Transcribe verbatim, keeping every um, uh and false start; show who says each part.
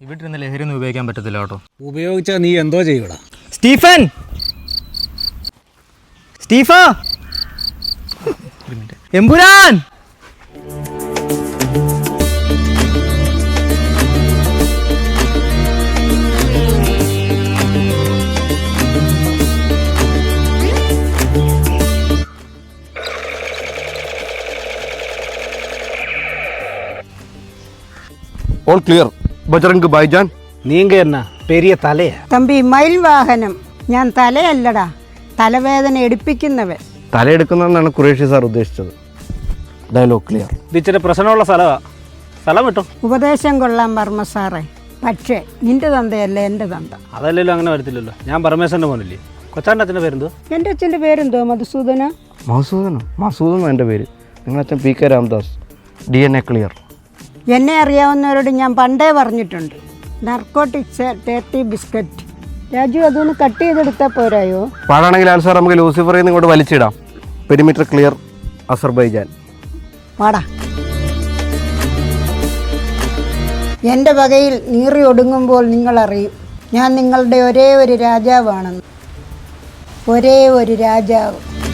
Speaker 1: ഇവിടെ ലഹരി ഒന്നും ഉപയോഗിക്കാൻ പറ്റത്തില്ല കേട്ടോ.
Speaker 2: ഉപയോഗിച്ചാൽ നീ എന്തോ ചെയ്യൂടാ.
Speaker 1: സ്റ്റീഫൻ, സ്റ്റീഫ, എമ്പുരാൻ.
Speaker 3: All clear. ബജറംഗ് ഭായ്ജാൻ.
Speaker 2: നീങ്ക എന്നാ പെരിയ തലയാ.
Speaker 4: തമ്പി മയിൽ വാഹനം. ഞാൻ തലയല്ലടാ, തലവേദന എടുപ്പിക്കുന്നവൻ.
Speaker 3: തലയെടുക്കുന്നതെന്നാണ് ഖുറേഷി സാർ ഉദ്ദേശിച്ചത്. Dialogue clear.
Speaker 2: ഇതിച്ചിരി പ്രശ്നമുള്ള സ്ഥലമാ. സ്ഥലം കിട്ടും.
Speaker 4: ഉപദേശം കൊള്ളാൻ വർമ്മ സാറേ, പക്ഷേ നിന്റെ തന്തയല്ല എൻ്റെ തന്ത.
Speaker 2: അതല്ലല്ലോ, അങ്ങനെ വരത്തില്ലല്ലോ. ഞാൻ പരമേശ്വരൻ്റെ മോനല്ലേ. കൊച്ചാൻ്റെ അച്ഛൻ്റെ പേരെന്തോ?
Speaker 4: എൻ്റെ അച്ഛൻ്റെ പേരെന്തോ? മധുസൂദന.
Speaker 3: മധുസൂദനോ? മധുസൂദനോ എൻ്റെ പേര്. നിങ്ങളച്ഛൻ P K Ramdas. D N A clear.
Speaker 4: എന്നെ അറിയാവുന്നവരോട് ഞാൻ പണ്ടേ പറഞ്ഞിട്ടുണ്ട്, നർക്കോട്ടിക്സ് ടേർട്ടി ബിസ്ക്കറ്റ്. രാജു, അതൊന്ന് കട്ട് ചെയ്തെടുത്താൽ പോരായോ?
Speaker 3: പാടാണെങ്കിൽ ആൽ സാർ നമുക്ക് ലൂസിഫറിൽ നിന്ന് ഇങ്ങോട്ട് വലിച്ചിടാം. Perimeter clear. അസർബൈജാൻ.
Speaker 4: പാടാ. എൻ്റെ വകയിൽ നീറി ഒടുങ്ങുമ്പോൾ നിങ്ങളറിയും ഞാൻ നിങ്ങളുടെ ഒരേ ഒരു രാജാവാണെന്ന്. ഒരേ ഒരു രാജാവ്.